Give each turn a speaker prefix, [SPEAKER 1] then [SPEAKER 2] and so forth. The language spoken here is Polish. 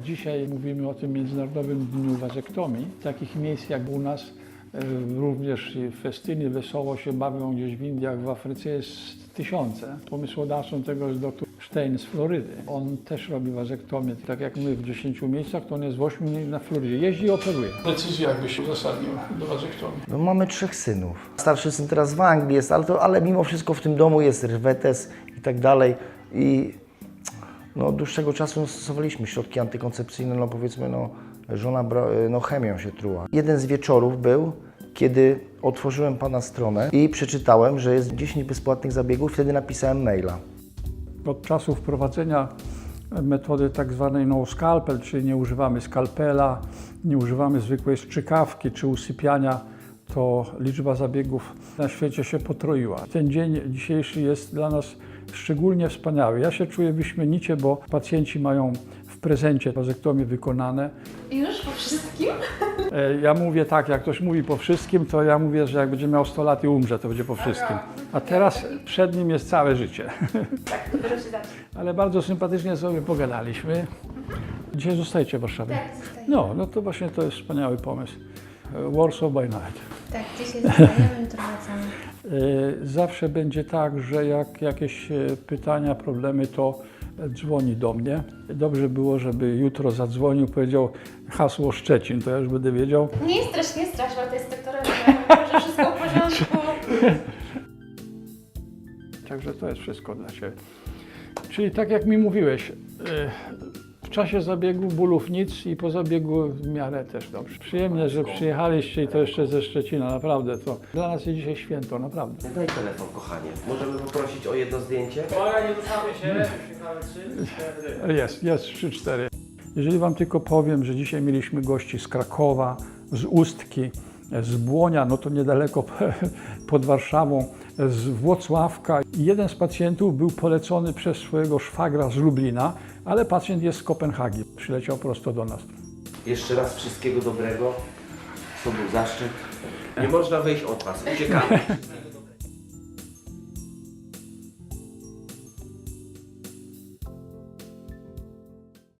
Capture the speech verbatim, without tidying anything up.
[SPEAKER 1] Dzisiaj mówimy o tym Międzynarodowym Dniu Wazektomii. Takich miejsc jak u nas, również festyny, wesoło się bawią gdzieś w Indiach, w Afryce jest tysiące. Pomysłodawcą tego jest doktor Stein z Florydy. On też robi wazektomię. Tak jak my w dziesięciu miejscach, to on jest w ośmiu na Florydzie. Jeździ i operuje. Decyzja jakby się uzasadnił do wazektomii.
[SPEAKER 2] No, mamy trzech synów. Starszy syn teraz w Anglii jest, ale, to, ale mimo wszystko w tym domu jest rwetes i tak dalej. I no, od dłuższego czasu stosowaliśmy środki antykoncepcyjne, no powiedzmy, no, żona no, chemią się truła. Jeden z wieczorów był, kiedy otworzyłem pana stronę i przeczytałem, że jest dziesięć bezpłatnych zabiegów, wtedy napisałem maila.
[SPEAKER 1] Od czasu wprowadzenia metody tak zwanej no scalpel, czyli nie używamy skalpela, nie używamy zwykłej strzykawki czy usypiania, to liczba zabiegów na świecie się potroiła. Ten dzień dzisiejszy jest dla nas szczególnie wspaniały. Ja się czuję wyśmienicie, bo pacjenci mają w prezencie wazektomię wykonane.
[SPEAKER 3] Już po wszystkim?
[SPEAKER 1] Ja mówię tak, jak ktoś mówi po wszystkim, to ja mówię, że jak będzie miał sto lat i umrze, to będzie po wszystkim. A teraz przed nim jest całe życie.
[SPEAKER 3] Tak, dopiero się zacznie.
[SPEAKER 1] Ale bardzo sympatycznie sobie pogadaliśmy. Dzisiaj zostajecie w Warszawie?
[SPEAKER 3] Tak, zostajemy.
[SPEAKER 1] No, no to właśnie to jest wspaniały pomysł. Warsaw by night.
[SPEAKER 3] Tak, dzisiaj zostajemy, jutro wracamy.
[SPEAKER 1] Zawsze będzie tak, że jak jakieś pytania, problemy, to dzwoni do mnie. Dobrze było, żeby jutro zadzwonił, powiedział hasło Szczecin, to ja już będę wiedział.
[SPEAKER 3] Nie strasz, nie strasz, bo to jest doktorem, że wszystko w porządku.
[SPEAKER 1] Także to jest wszystko dla Ciebie. Czyli tak jak mi mówiłeś, w czasie zabiegu bólów nic i po zabiegu w miarę też dobrze. Przyjemnie, że przyjechaliście i to jeszcze ze Szczecina, naprawdę. To dla nas jest dzisiaj święto, naprawdę.
[SPEAKER 4] Daj telefon, kochanie. Możemy poprosić o jedno zdjęcie?
[SPEAKER 5] Uwaga, nie ruszamy się. Uśmiechamy trzy, cztery.
[SPEAKER 1] Jest, jest trzy cztery. Jeżeli Wam tylko powiem, że dzisiaj mieliśmy gości z Krakowa, z Ustki, z Błonia, no to niedaleko pod Warszawą, z Włocławka. Jeden z pacjentów był polecony przez swojego szwagra z Lublina, ale pacjent jest z Kopenhagi. Przyleciał prosto do nas.
[SPEAKER 4] Jeszcze raz wszystkiego dobrego. To był zaszczyt. Nie można wyjść od was. Uciekamy.